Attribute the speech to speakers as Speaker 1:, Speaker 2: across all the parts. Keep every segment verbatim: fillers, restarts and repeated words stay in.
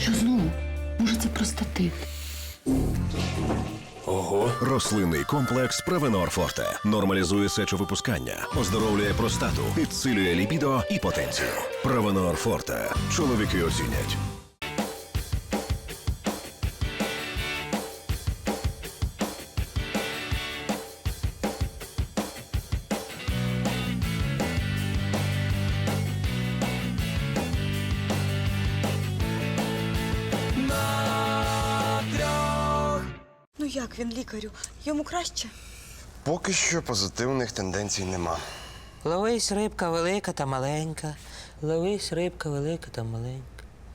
Speaker 1: Що знову? Може, це простатит?
Speaker 2: Ого. Рослинний комплекс Провенор Форте нормалізує сечовипускання, оздоровлює простату, підсилює лібідо і потенцію. Провенор Форте. Чоловіки оцінять.
Speaker 3: Ну як він, лікарю? Йому краще?
Speaker 4: Поки що позитивних тенденцій нема.
Speaker 5: Ловись рибка велика та маленька. Ловись рибка велика та маленька.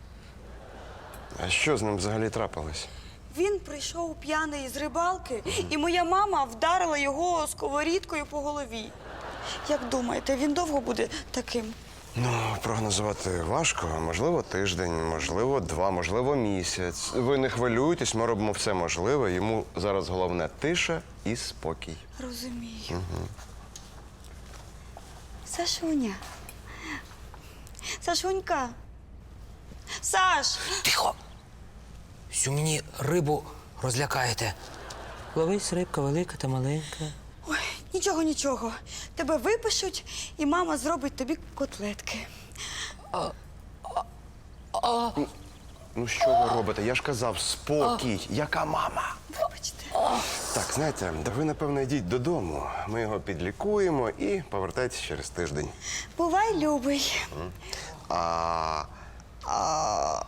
Speaker 4: А що з ним взагалі трапилось?
Speaker 3: Він прийшов п'яний з рибалки, і моя мама вдарила його сковорідкою по голові. Як думаєте, він довго буде таким?
Speaker 4: Ну, прогнозувати важко. Можливо, тиждень, можливо, два, можливо, місяць. Ви не хвилюйтесь, ми робимо все можливе. Йому зараз головне тиша і спокій.
Speaker 3: Розумію. Угу. Сашуня. Сашунька. Саш!
Speaker 5: Тихо! Всю мені рибу розлякаєте. Ловись рибка велика та маленька.
Speaker 3: Ой, нічого, нічого. Тебе випишуть, і мама зробить тобі котлетки.
Speaker 4: Ну, що ви робите? Я ж казав, спокій. Яка мама?
Speaker 3: Вибачте.
Speaker 4: Так, знаєте, да ви, напевно, йдіть додому. Ми його підлікуємо і повертайтесь через тиждень.
Speaker 3: Бувай, любий.
Speaker 4: А... А...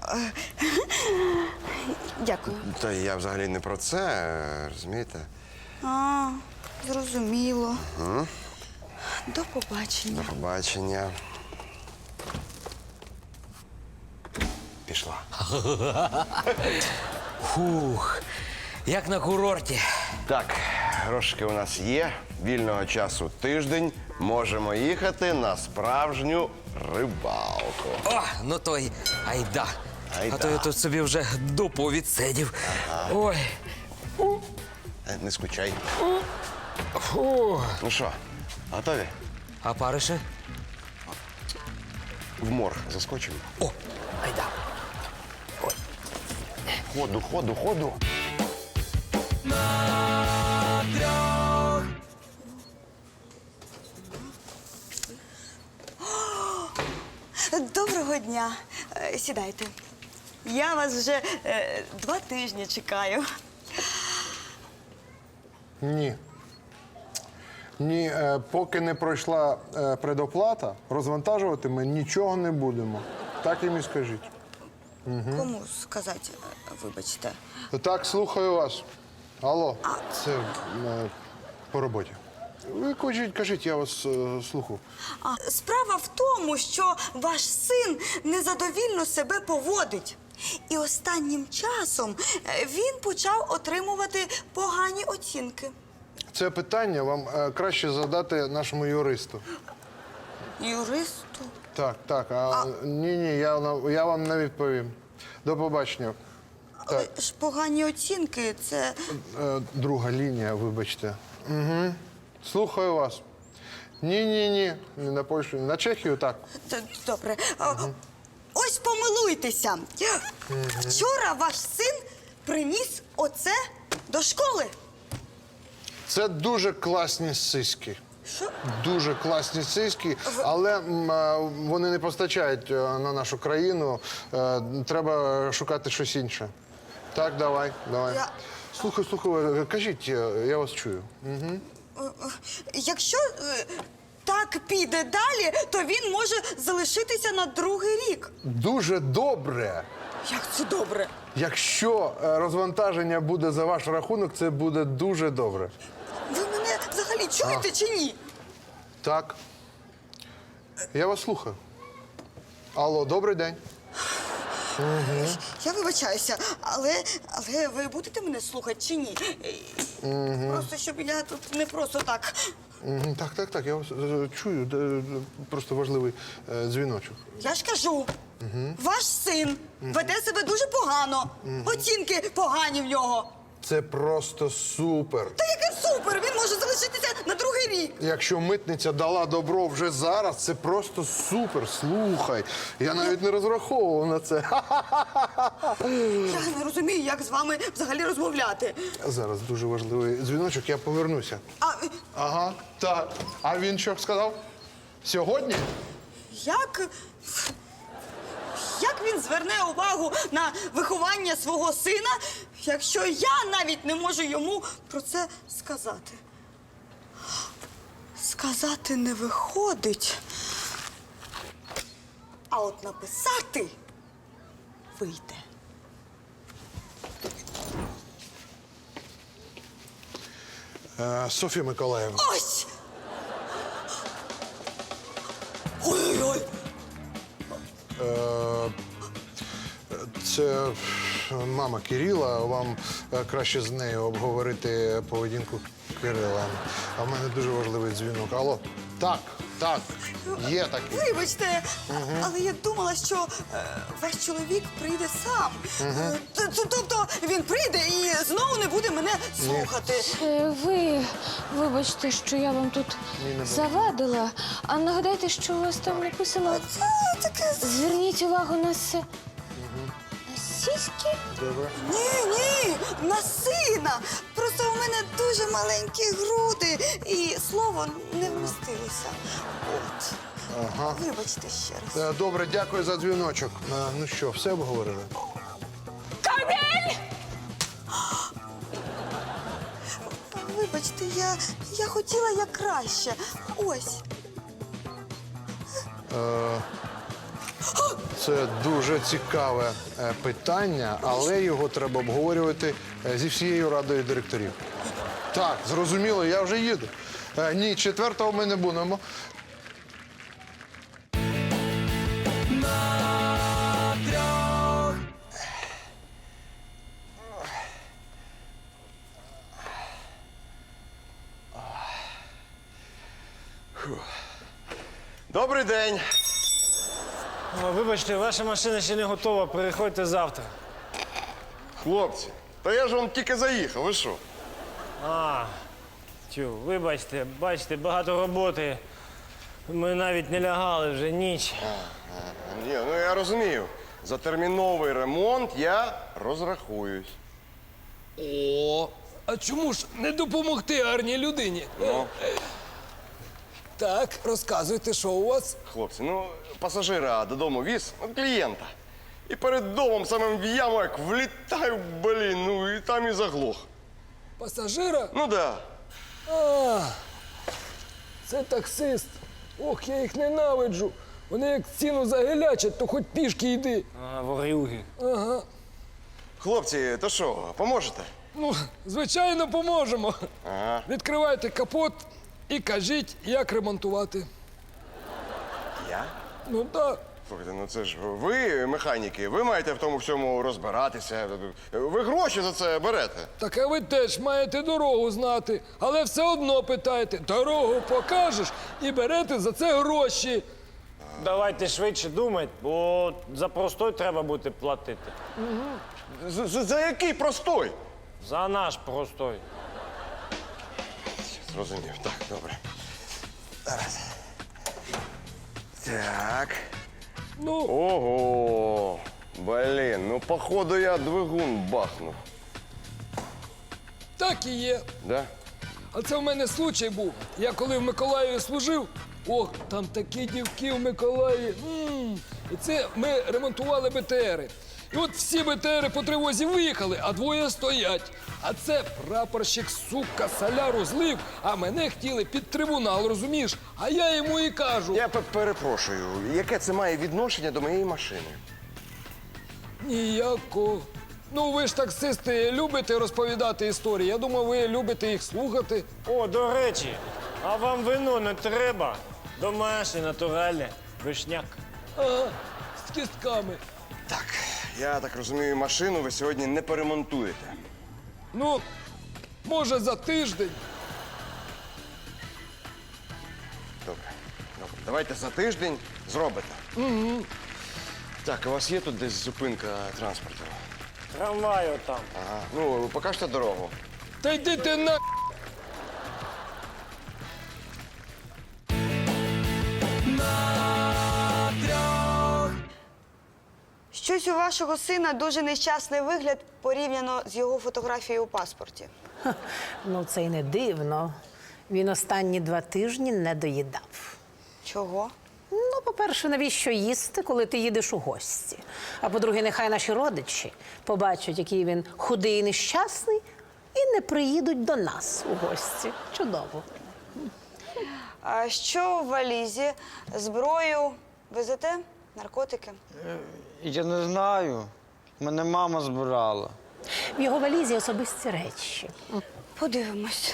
Speaker 3: Дякую.
Speaker 4: Та я взагалі не про це, розумієте?
Speaker 3: А, зрозуміло. Угу. До побачення.
Speaker 4: До побачення. Пішла.
Speaker 5: Фух, як на курорті.
Speaker 4: Так, грошики у нас є, вільного часу тиждень. Можемо їхати на справжню рибалку.
Speaker 5: О, ну то й айда.
Speaker 4: Айда.
Speaker 5: А то я тут собі вже дупу відсидів. Ага. Ой.
Speaker 4: Е, Не скучай.
Speaker 5: Фу.
Speaker 4: Ну що, готові?
Speaker 5: А парише?
Speaker 4: В морг заскочимо?
Speaker 5: О, айда. Ой.
Speaker 4: Ходу, ходу, ходу.
Speaker 3: Доброго дня. Е, Сідайте. Я вас вже е, два тижні чекаю.
Speaker 6: Ні. Ні, е, поки не пройшла е, предоплата, розвантажувати ми нічого не будемо. Так їм і скажіть.
Speaker 3: Кому сказати, е, вибачте?
Speaker 6: Так, слухаю вас. Алло, це е, по роботі. Ви кажіть, кажіть, я вас е, слухаю.
Speaker 3: А, справа в тому, що ваш син незадовільно себе поводить. І останнім часом е, він почав отримувати погані оцінки.
Speaker 6: Це питання вам е, краще задати нашому юристу.
Speaker 3: Юристу?
Speaker 6: Так, так. А, ні, ні, я, на- я вам не відповім. До побачення. Так.
Speaker 3: Але ж погані оцінки – це…
Speaker 6: Е, Друга лінія, вибачте. Угу. Слухаю вас. Ні, ні, ні. Не на Польщу, на Чехію, так.
Speaker 3: Т- Добре. А, ось помилуйтеся. Вчора ваш син приніс оце до школи.
Speaker 6: Це дуже класні сиськи.
Speaker 3: Що?
Speaker 6: Дуже класні сиськи, але м, е, вони не постачають е, на нашу країну. Е, Треба шукати щось інше. Так, давай, давай.
Speaker 3: Я-
Speaker 6: Слухай, слухай, е, кажіть, е, я вас чую. Угу.
Speaker 3: Якщо е, так піде далі, то він може залишитися на другий рік.
Speaker 6: Дуже добре.
Speaker 3: Як це добре?
Speaker 6: Якщо е, розвантаження буде за ваш рахунок, це буде дуже добре.
Speaker 3: Ви мене взагалі чуєте чи ні?
Speaker 6: Так. Я вас слухаю. Алло, добрий день.
Speaker 3: Я вибачаюся, але, але ви будете мене слухати чи ні? Просто щоб я тут не просто так.
Speaker 6: Мгм, Так, так, так, я вас е, чую. Де- де- Просто важливий е, дзвіночок.
Speaker 3: Я ж кажу, ваш син веде себе дуже погано. Оцінки погані в нього.
Speaker 6: Це просто супер.
Speaker 3: Та яке супер! Він може залишитися на другий рік.
Speaker 6: Якщо митниця дала добро вже зараз, це просто супер. Слухай, я навіть не розраховував на це.
Speaker 3: Я не розумію, як з вами взагалі розмовляти.
Speaker 6: Зараз дуже важливий дзвіночок, я повернуся.
Speaker 3: А
Speaker 6: Ага, так. А він що сказав? Сьогодні?
Speaker 3: як? Як він зверне увагу на виховання свого сина, якщо я навіть не можу йому про це сказати? Сказати не виходить. А от написати вийде.
Speaker 6: Е, Софія Миколаївна.
Speaker 3: Ось! Ой-ой-ой!
Speaker 6: Е, Це мама Кирила. Вам е, краще з нею обговорити поведінку Кирила. А в мене дуже важливий дзвінок. Алло, так, так, є такий.
Speaker 3: Вибачте, але я думала, що е, ваш чоловік прийде сам. Е, т- т- Тобто він прийде і знову не буде мене слухати.
Speaker 1: Е, Ви вибачте, що я вам тут завадила. А нагадайте, що у вас там написано.
Speaker 3: Це таке.
Speaker 1: Зверніть увагу на се. На сіськи?
Speaker 6: Добре.
Speaker 3: Ні, ні, на сина. Просто у мене дуже маленькі груди, і слово не вмістилося. От.
Speaker 6: Ага.
Speaker 3: Вибачте ще раз.
Speaker 6: Е, Добре, дякую за дзвіночок. Е, Ну що, все обговорили?
Speaker 3: Вибачте, я, я хотіла як краще. Ось.
Speaker 6: Це дуже цікаве е, питання, але його треба обговорювати е, зі всією радою директорів. Так, зрозуміло, я вже їду. Е, Ні, четвертого ми не будемо.
Speaker 4: Добрий день.
Speaker 7: О, вибачте, ваша машина ще не готова, приходьте завтра.
Speaker 4: Хлопці, та я ж вам тільки заїхав, ви що?
Speaker 7: А, тю, вибачте, бачите, багато роботи. Ми навіть не лягали вже ніч.
Speaker 4: Ні, ну я розумію. За терміновий ремонт я розрахуюсь.
Speaker 8: О, а чому ж не допомогти гарній людині?
Speaker 4: Ну,
Speaker 8: Так, розказуйте, що у вас?
Speaker 4: хлопці, ну пасажира додому віз, ну, клієнта. І перед домом самим в яму як влітаю, блін, ну і там і заглох.
Speaker 8: Пасажира?
Speaker 4: Ну да.
Speaker 8: А, це таксист. Ох, я їх ненавиджу. Вони як ціну загилячать, то хоч пішки йди.
Speaker 7: А, ворюги.
Speaker 8: Ага.
Speaker 4: Хлопці, то що, поможете?
Speaker 8: Ну, звичайно, поможемо.
Speaker 4: Ага.
Speaker 8: Відкривайте капот і кажіть, як ремонтувати.
Speaker 4: Я?
Speaker 8: Ну так.
Speaker 4: Слухайте, ну це ж ви, механіки, ви маєте в тому всьому розбиратися. Ви гроші за це берете.
Speaker 8: Так а ви теж маєте дорогу знати, але все одно питаєте, дорогу покажеш і берете за це гроші.
Speaker 7: Давайте швидше думати, бо за простой треба буде платити.
Speaker 4: За, за, за який простой?
Speaker 7: За наш простой.
Speaker 4: Зрозумів, так, добре. Зараз. Так.
Speaker 8: Ну,
Speaker 4: Ого! Блін, ну походу я двигун бахнув.
Speaker 8: так і є.
Speaker 4: Да?
Speaker 8: А це в мене случай був. Я коли в Миколаєві служив, ох, там такі дівки в Миколаєві. М. І це ми ремонтували БТРи. І от всі БТРи по тривозі виїхали, а двоє стоять. А це прапорщик, сука, соляру злив, а мене хотіли під трибунал, розумієш? А я йому і кажу.
Speaker 4: Я пе- перепрошую, яке це має відношення до моєї машини?
Speaker 8: Ніяко. Ну, ви ж таксисти любите розповідати історії. Я думаю, ви любите їх слухати.
Speaker 7: О, до речі, а вам вино не треба? Домашнє, натуральне, вишняк.
Speaker 8: Ага, з кістками.
Speaker 4: Так, я так розумію, машину ви сьогодні не поремонтуєте.
Speaker 8: Ну, може, за тиждень.
Speaker 4: Добре, добре. Давайте за тиждень зробите. Угу. Так, у вас є тут десь зупинка транспорту?
Speaker 7: Трамваю там.
Speaker 4: Ага. Ну, ви покажете дорогу.
Speaker 8: Та йди ти на.
Speaker 3: Щось у вашого сина дуже нещасний вигляд порівняно з його фотографією у паспорті.
Speaker 9: Ну, це й не дивно. Він останні два тижні не доїдав.
Speaker 3: Чого?
Speaker 9: Ну, по-перше, навіщо їсти, коли ти їдеш у гості? А по-друге, нехай наші родичі побачать, який він худий і нещасний, і не приїдуть до нас у гості. Чудово.
Speaker 3: А що в валізі? Зброю везете? Наркотики?
Speaker 10: Я не знаю. Мене мама збирала.
Speaker 9: В його валізі особисті речі.
Speaker 3: Подивимось.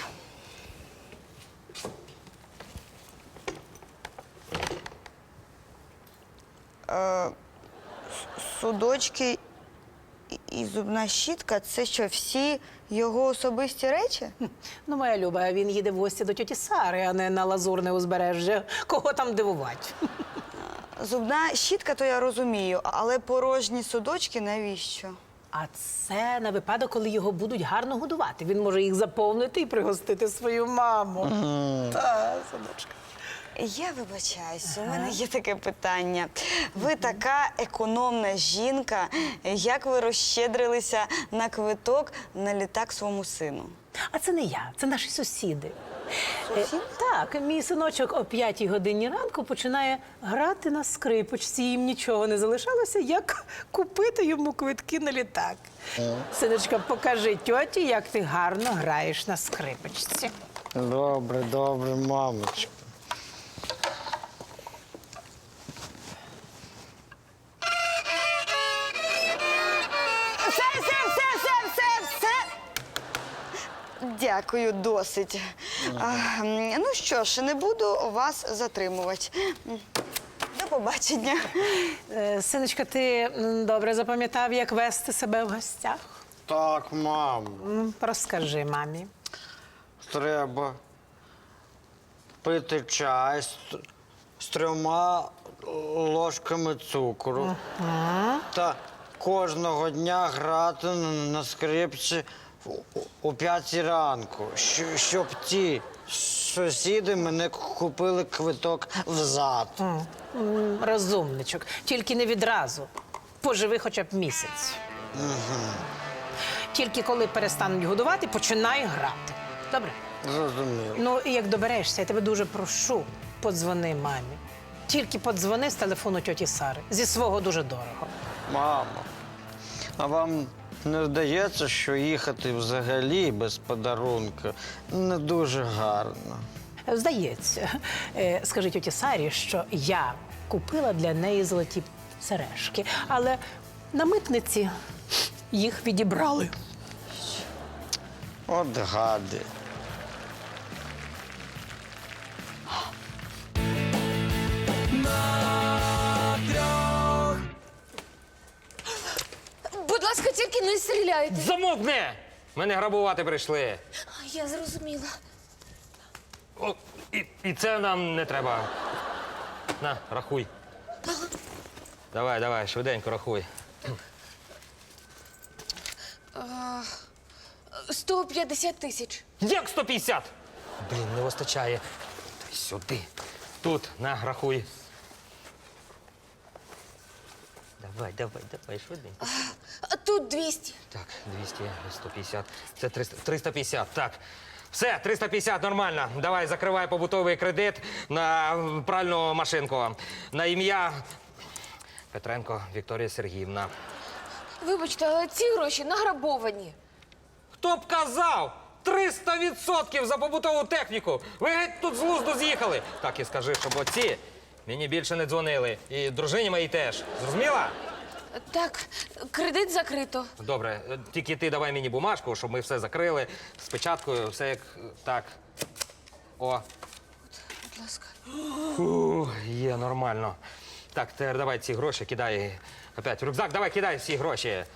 Speaker 3: Е, с- судочки і- і зубна щітка – це що, всі його особисті речі?
Speaker 9: Ну, моя Люба, він їде в гості до тьоті Сари, а не на Лазурне узбережжя. Кого там дивувати?
Speaker 3: Зубна щітка, то я розумію, але порожні судочки навіщо?
Speaker 9: А це на випадок, коли його будуть гарно годувати. Він може їх заповнити і пригостити свою маму. Та, синочка.
Speaker 3: Я вибачаюсь, у мене є таке питання. Ви така економна жінка. Як ви розщедрилися на квиток на літак своєму сину?
Speaker 9: А це не я, це наші сусіди.
Speaker 3: Сусід?
Speaker 9: Е, Так, мій синочок о п'ятій годині ранку починає грати на скрипочці. Їм нічого не залишалося, як купити йому квитки на літак. Синочка, покажи тьоті, як ти гарно граєш на скрипочці.
Speaker 10: Добре, добре, мамочка.
Speaker 3: Все, все, все, все, все, все. Дякую, досить. А, м, ну що ж, не буду вас затримувати. М, До побачення.
Speaker 9: Е, Синочка, ти м, добре запам'ятав, як вести себе в гостях?
Speaker 10: Так, мамо.
Speaker 9: М, Розкажи мамі.
Speaker 10: Треба пити чай з, з трьома ложками цукру. Та кожного дня грати на скрипці у- о п'ятій ранку, щ- щоб ті сусіди мене купили квиток взад.
Speaker 9: М, Розумничок, тільки не відразу. Поживи хоча б місяць. Тільки коли перестануть годувати, починай грати. Добре?
Speaker 10: Зрозумів.
Speaker 9: Ну, і як доберешся, я тебе дуже прошу, подзвони мамі. Тільки подзвони з телефону тьоті Сари. Зі свого дуже дорого.
Speaker 10: Мамо, а вам не здається, що їхати взагалі без подарунка не дуже гарно?
Speaker 9: Здається, Е, скажи тьоті Сарі, що я купила для неї золоті сережки, але на митниці їх відібрали.
Speaker 10: От гади.
Speaker 1: Будь ласка, тільки не стріляйте.
Speaker 5: Замовкни! Мене грабувати прийшли.
Speaker 1: Я зрозуміла.
Speaker 5: О, і, і це нам не треба. На, рахуй. Давай, давай, швиденько рахуй.
Speaker 1: сто п'ятдесят тисяч.
Speaker 5: Як сто п'ятдесят? Блін, не вистачає. Дай сюди. Тут, на, рахуй. Давай, давай, давай, швиденько.
Speaker 1: А тут двісті.
Speaker 5: Так, двісті, сто п'ятдесят. Це триста, триста п'ятдесят, так. Все, триста п'ятдесят, нормально. Давай, закривай побутовий кредит на пральну машинку. На ім'я Петренко Вікторія Сергіївна.
Speaker 1: Вибачте, але ці гроші награбовані.
Speaker 5: Хто б казав? триста відсотків за побутову техніку! Ви геть тут з глузду з'їхали! Так і скажи, щоб оці мені більше не дзвонили. І дружині моїй теж. Зрозуміла?
Speaker 1: Так, кредит закрито.
Speaker 5: Добре, е, тільки ти давай мені бумажку, щоб ми все закрили. З печаткою, все як е, так. О.
Speaker 1: Будь ласка.
Speaker 5: Фу, є, нормально. Так, тепер давай ці гроші кидай. Опять в рюкзак, давай кидай всі гроші.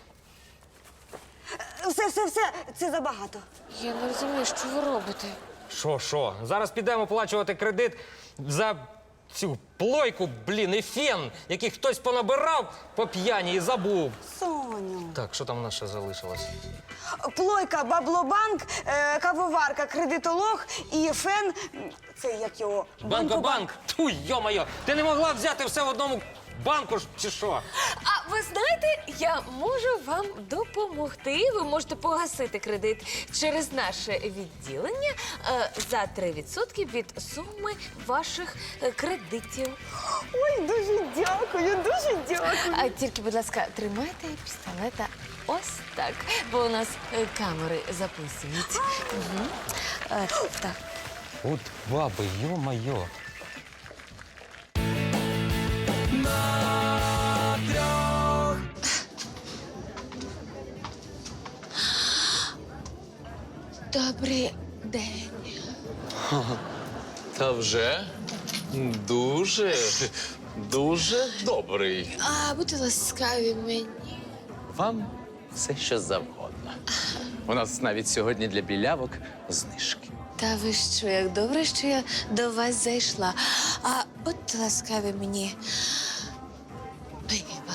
Speaker 3: Все, все, все, це забагато.
Speaker 1: Я не розумію, що ви робите.
Speaker 5: Що, що? Зараз підемо оплачувати кредит за цю плойку, блін, і фен, який хтось понабирав по п'яні і забув.
Speaker 3: Сонь, нього.
Speaker 5: Так, що там у нас ще залишилось?
Speaker 3: Плойка, баблобанк, е, кавоварка, кредитолог і фен. Це як його?
Speaker 5: Банкобанк! Ту, йо-моє! Ти не могла взяти все в одному банку ж, чи що?
Speaker 1: А ви знаєте, я можу вам допомогти. Ви можете погасити кредит через наше відділення е, за три відсотки від суми ваших е, кредитів.
Speaker 3: Ой, дуже дякую, дуже дякую.
Speaker 1: А тільки, будь ласка, тримайте пістолета ось так, бо у нас е, камери записують. Угу. Е, так.
Speaker 5: От баби, йо-моє.
Speaker 1: Добрий день.
Speaker 11: Та вже дуже, дуже добрий.
Speaker 1: А будьте ласкаві мені.
Speaker 11: Вам все що завгодно. У нас навіть сьогодні для білявок знижки.
Speaker 1: Та ви що, як добре, що я до вас зайшла. А будьте ласкаві мені. Пиво.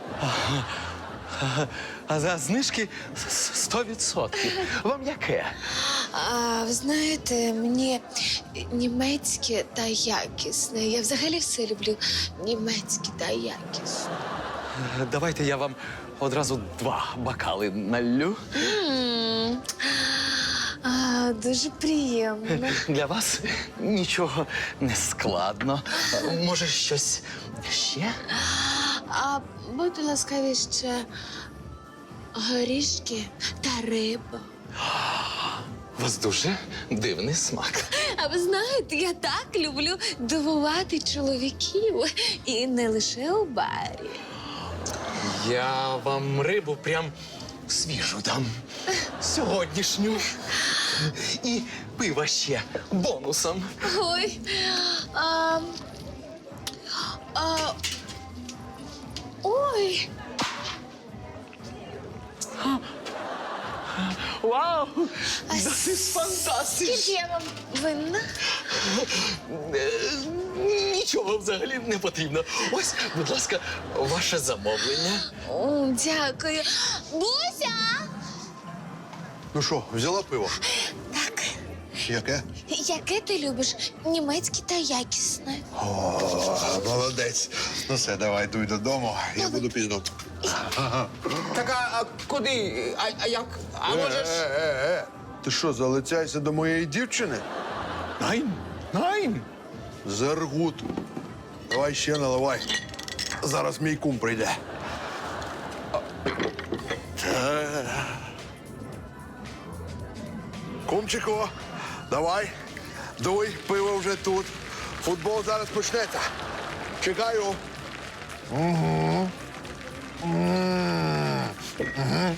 Speaker 11: А за знижки сто відсотків. Вам яке?
Speaker 1: А ви знаєте, мені німецьке та якісне. Я взагалі все люблю німецьке та якісне.
Speaker 11: Давайте я вам одразу два бокали наллю.
Speaker 1: М, А, дуже приємно.
Speaker 11: Для вас нічого не складно. Може, щось ще?
Speaker 1: А будьте ласкаві ще горішки та риба.
Speaker 11: У вас дуже дивний смак.
Speaker 1: А ви знаєте, я так люблю дивувати чоловіків. І не лише у барі.
Speaker 11: Я вам рибу прям свіжу дам. Сьогоднішню. І пиво ще бонусом.
Speaker 1: Ой. А, а, ой.
Speaker 11: Вау!
Speaker 1: А
Speaker 11: Das ist fantastisch!
Speaker 1: Скільки я вам винна?
Speaker 11: Е, Нічого взагалі не потрібно. Ось, будь ласка, ваше замовлення.
Speaker 1: О, дякую. Буся!
Speaker 6: Ну що, взяла пиво?
Speaker 1: Так.
Speaker 6: Яке?
Speaker 1: Яке ти любиш? Німецьке та якісне.
Speaker 6: О, молодець. Ну все, давай, дуй додому. Я буду пізно.
Speaker 5: Так, а, а куди? А, а як? А
Speaker 6: Е,
Speaker 5: можеш?
Speaker 6: е, е, е. Ти що, залицяєшся до моєї дівчини?
Speaker 11: Найн, найн.
Speaker 6: Зергут. Давай ще наливай. Зараз мій кум прийде. Е. Кумчику, давай. Дуй, пиво вже тут. Футбол зараз почнеться. Чекаю. Угу. Угу.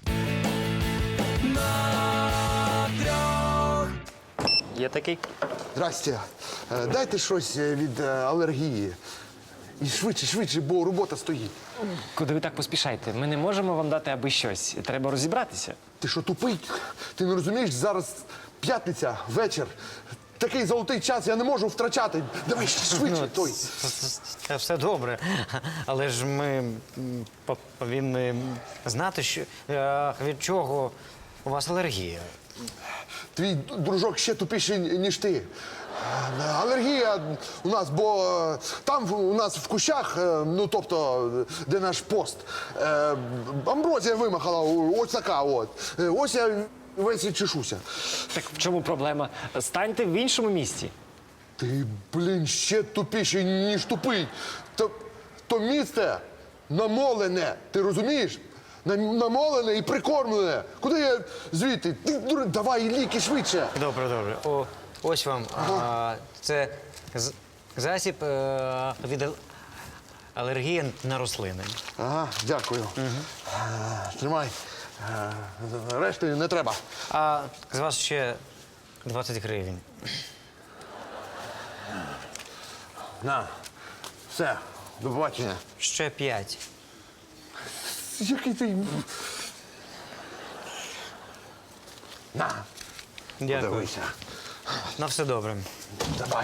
Speaker 7: Є такий.
Speaker 6: Здрасте. Е, Дайте щось е, від е, алергії. І швидше, швидше, бо робота стоїть.
Speaker 7: Куди ви так поспішаєте? Ми не можемо вам дати аби щось. Треба розібратися.
Speaker 6: Ти що, тупий? Ти не розумієш, зараз п'ятниця, вечір. Такий золотий час я не можу втрачати. Давай швидше, той.
Speaker 10: Це все добре. Але ж ми м, по- повинні знати, що, е, від чого у вас алергія.
Speaker 6: Твій дружок ще тупіший, ніж ти. Е, Алергія у нас, бо е, там в- у нас в кущах, е, ну тобто, де наш пост, е, амброзія вимахала, о- ось така от. Е, Ось я весь і чешуся.
Speaker 7: Так в чому проблема? Станьте в іншому місці.
Speaker 6: Ти, блін, ще тупіший, ніж тупий. То, то місце намолене, ти розумієш? На- Намолене і прикормлене. Куди я звідти? Ти, дур- давай ліки швидше.
Speaker 10: Добре, добре. О, ось вам. А, це з- засіб е, від ал- алергії на рослини.
Speaker 6: Ага, дякую. Е, Тримай. Е, Решти не треба.
Speaker 10: А з вас ще двадцять гривень.
Speaker 6: На. Все, до побачення.
Speaker 10: Ще п'ять.
Speaker 6: Який ти. На,
Speaker 10: Дякую.
Speaker 6: подивися.
Speaker 10: На все добре.
Speaker 6: Давай.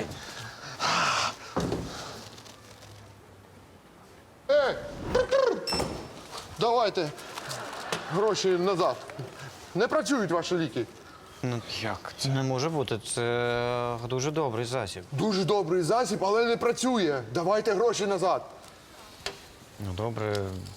Speaker 6: Ей! Давайте, гроші назад. Не працюють ваші ліки.
Speaker 10: Ну як? Це не може бути. Це дуже добрий засіб.
Speaker 6: Дуже добрий засіб, але не працює. Давайте гроші назад.
Speaker 10: Ну, добре.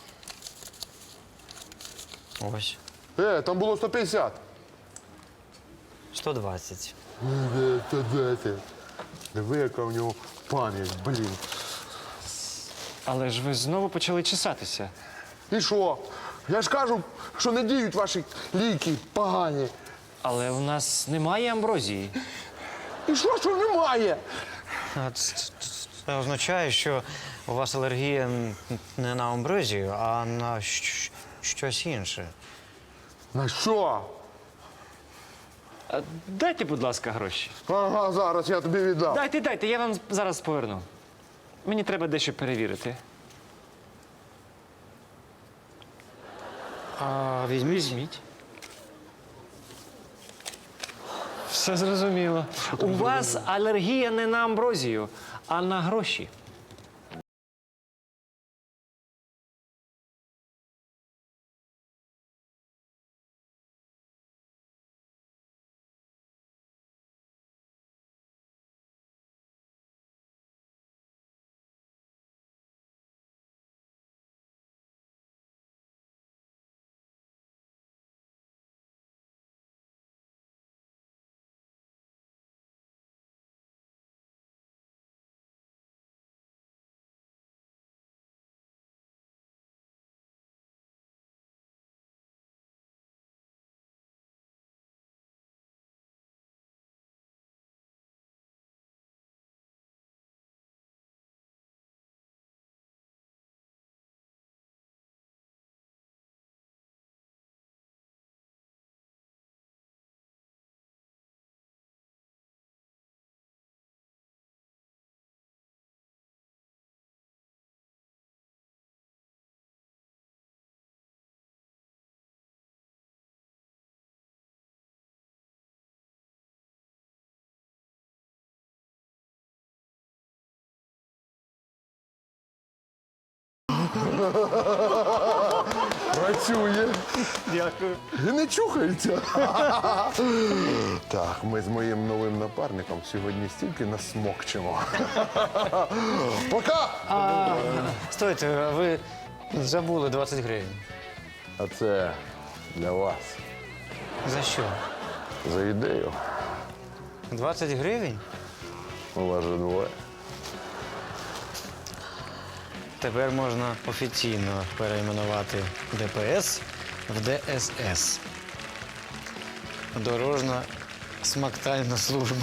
Speaker 10: Ось.
Speaker 6: Е, там було сто п'ятдесят.
Speaker 10: сто двадцять.
Speaker 6: Е, сто двадцять. Диви, яка в нього пам'ять, блін.
Speaker 7: Але ж ви знову почали чесатися.
Speaker 6: І що? Я ж кажу, що не діють ваші ліки погані.
Speaker 7: Але у нас немає амброзії.
Speaker 6: І що, що немає?
Speaker 10: А Це, це- це означає, що у вас алергія н- не на амброзію, а на щ- щось інше.
Speaker 6: На що?
Speaker 7: А дайте, будь ласка, гроші.
Speaker 6: Ага, зараз я тобі віддам.
Speaker 7: Дайте, дайте, я вам зараз поверну. Мені треба дещо перевірити.
Speaker 10: А візьміть, візьміть.
Speaker 7: Все зрозуміло. У вас алергія не на амброзію, а на гроші.
Speaker 6: Працює.
Speaker 7: Дякую.
Speaker 6: І не чухається. Так, ми з моїм новим напарником сьогодні стільки насмокчемо. Пока!
Speaker 10: Стойте, а ви забули двадцять гривень.
Speaker 6: А це для вас.
Speaker 10: За що?
Speaker 6: За ідею.
Speaker 10: двадцять гривень?
Speaker 6: У вас же двоє.
Speaker 10: Тепер можна офіційно перейменувати ДПС в ДСС. Дорожна смактальна служба.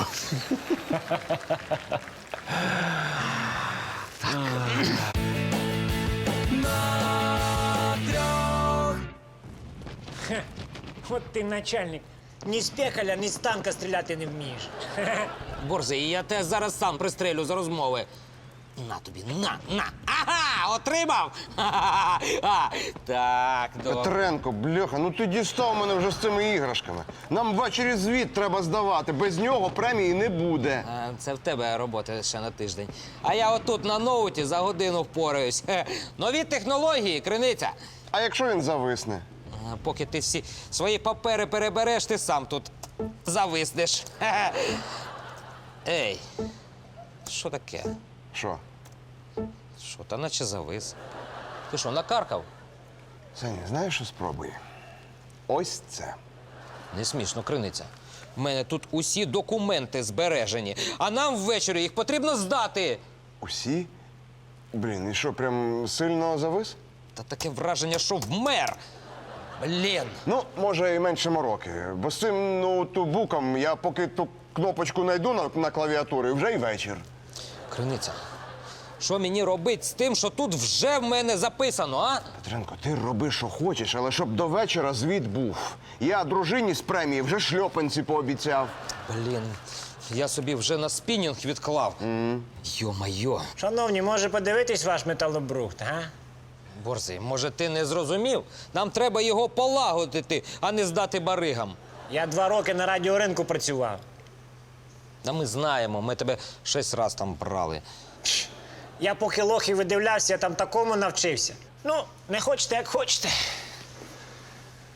Speaker 12: От ти начальник. Ні з пекаля, ні з танка стріляти не вмієш.
Speaker 5: Борзий, я тебе зараз сам пристрелю за розмови. На тобі, на, на. Ага, отримав! Ха-ха-ха. Так, добре.
Speaker 4: Петренко, бляха, ну ти дістав мене вже з цими іграшками. Нам ввечері звіт треба здавати. Без нього премії не буде.
Speaker 5: А, Це в тебе робота ще на тиждень. А я отут на ноуті за годину впораюсь. Хе. Нові технології, криниця.
Speaker 4: А якщо він зависне?
Speaker 5: А, Поки ти всі свої папери перебереш, ти сам тут зависнеш. Хе-хе. Ей, що таке?
Speaker 4: Що?
Speaker 5: Що, та наче завис. Ти що, накаркав?
Speaker 4: Саня, знаєш, що спробуй? Ось це.
Speaker 5: Не смішно, криниця. В мене тут усі документи збережені, а нам ввечері їх потрібно здати.
Speaker 4: Усі? Блін, і що, прям сильно завис?
Speaker 5: Та таке враження, що вмер. Блін.
Speaker 4: Ну, може, і менше мороки. Бо з цим ноутбуком я поки ту кнопочку знайду на, на клавіатурі, вже й вечір.
Speaker 5: Криниця, що мені робити з тим, що тут вже в мене записано, а?
Speaker 4: Петренко, ти роби, що хочеш, але щоб до вечора звіт був. Я дружині з премії вже шльопанці пообіцяв.
Speaker 5: Блін, я собі вже на спінінг відклав.
Speaker 4: Mm.
Speaker 5: Йо-майо.
Speaker 12: Шановні, може подивитись ваш металобрухт, а?
Speaker 5: Борзий, може ти не зрозумів? Нам треба його полагодити, а не здати баригам.
Speaker 12: Я два роки на радіоринку працював.
Speaker 5: Та ми знаємо, ми тебе шість раз там брали.
Speaker 12: Я поки лохи видивлявся, я там такому навчився. Ну, не хочете, як хочете.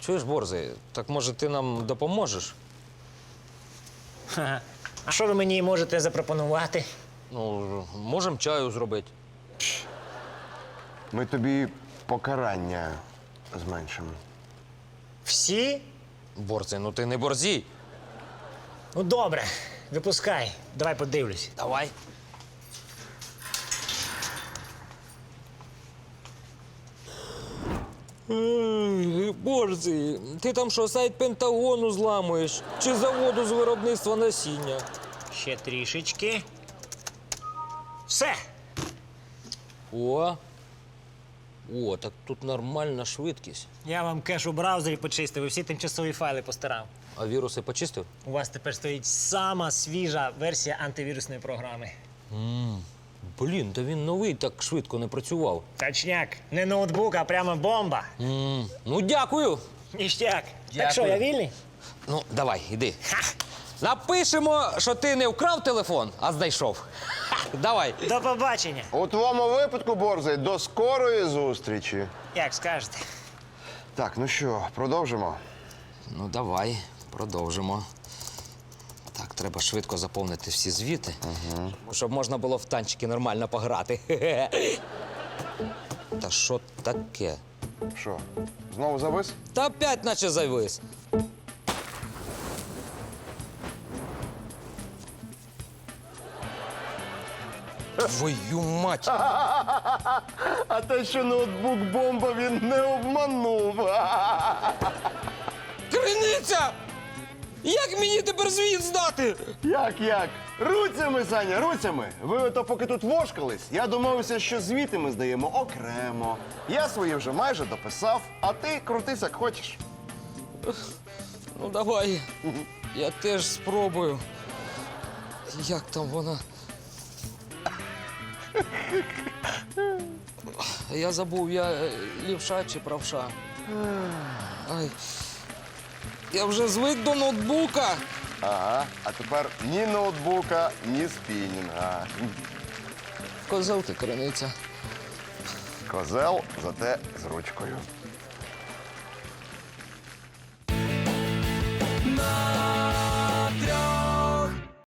Speaker 5: Чуєш, Борзий, так може ти нам допоможеш?
Speaker 12: Ха-ха. А що ви мені можете запропонувати?
Speaker 5: Ну, можемо чаю зробити.
Speaker 4: Ми тобі покарання зменшимо.
Speaker 12: Всі?
Speaker 5: Борзий, ну ти не борзій.
Speaker 12: Ну добре, випускай. Давай подивлюсь.
Speaker 5: Давай. Борзий, ти там що, сайт Пентагону зламуєш? Чи заводу з виробництва насіння?
Speaker 12: Ще трішечки. Все.
Speaker 5: О. О, так тут нормальна швидкість.
Speaker 12: Я вам кеш у браузері почистив і всі тимчасові файли постарав.
Speaker 5: А віруси почистив?
Speaker 12: У вас тепер стоїть сама свіжа версія антивірусної програми.
Speaker 5: Блін, та він новий так швидко не працював.
Speaker 12: Точняк, не ноутбук, а прямо бомба.
Speaker 5: М, Ну, дякую.
Speaker 12: Ніштяк.
Speaker 5: Дякую.
Speaker 12: Так що, я вільний?
Speaker 5: Ну, давай, іди. Напишемо, що ти не вкрав телефон, а знайшов. Ха, давай.
Speaker 12: До побачення.
Speaker 4: У твоєму випадку, Борзий, до скорої зустрічі.
Speaker 12: Як скажете.
Speaker 4: Так, ну що, продовжимо?
Speaker 5: Ну, давай, продовжимо. Так, треба швидко заповнити всі звіти, щоб можна було в танчики нормально пограти. Та що таке?
Speaker 4: Що, знову завис?
Speaker 5: Та опять наче завис. Твою мать!
Speaker 4: А те, що ноутбук бомба, він не обманув.
Speaker 5: Криниця! Як мені тепер звіт здати?
Speaker 4: Як, як? Руцями, Саня, руцями. Ви ото поки тут вошкались, я домовився, що звіти ми здаємо окремо. Я свої вже майже дописав, а ти крутись, як хочеш.
Speaker 5: Ну, давай. Я теж спробую. Як там вона? Я забув, я е, лівша чи правша. Ай. Я вже звик до ноутбука.
Speaker 4: Ага, а тепер ні ноутбука, ні спінінга.
Speaker 5: Козел ти, криниця.
Speaker 4: Козел, зате з ручкою.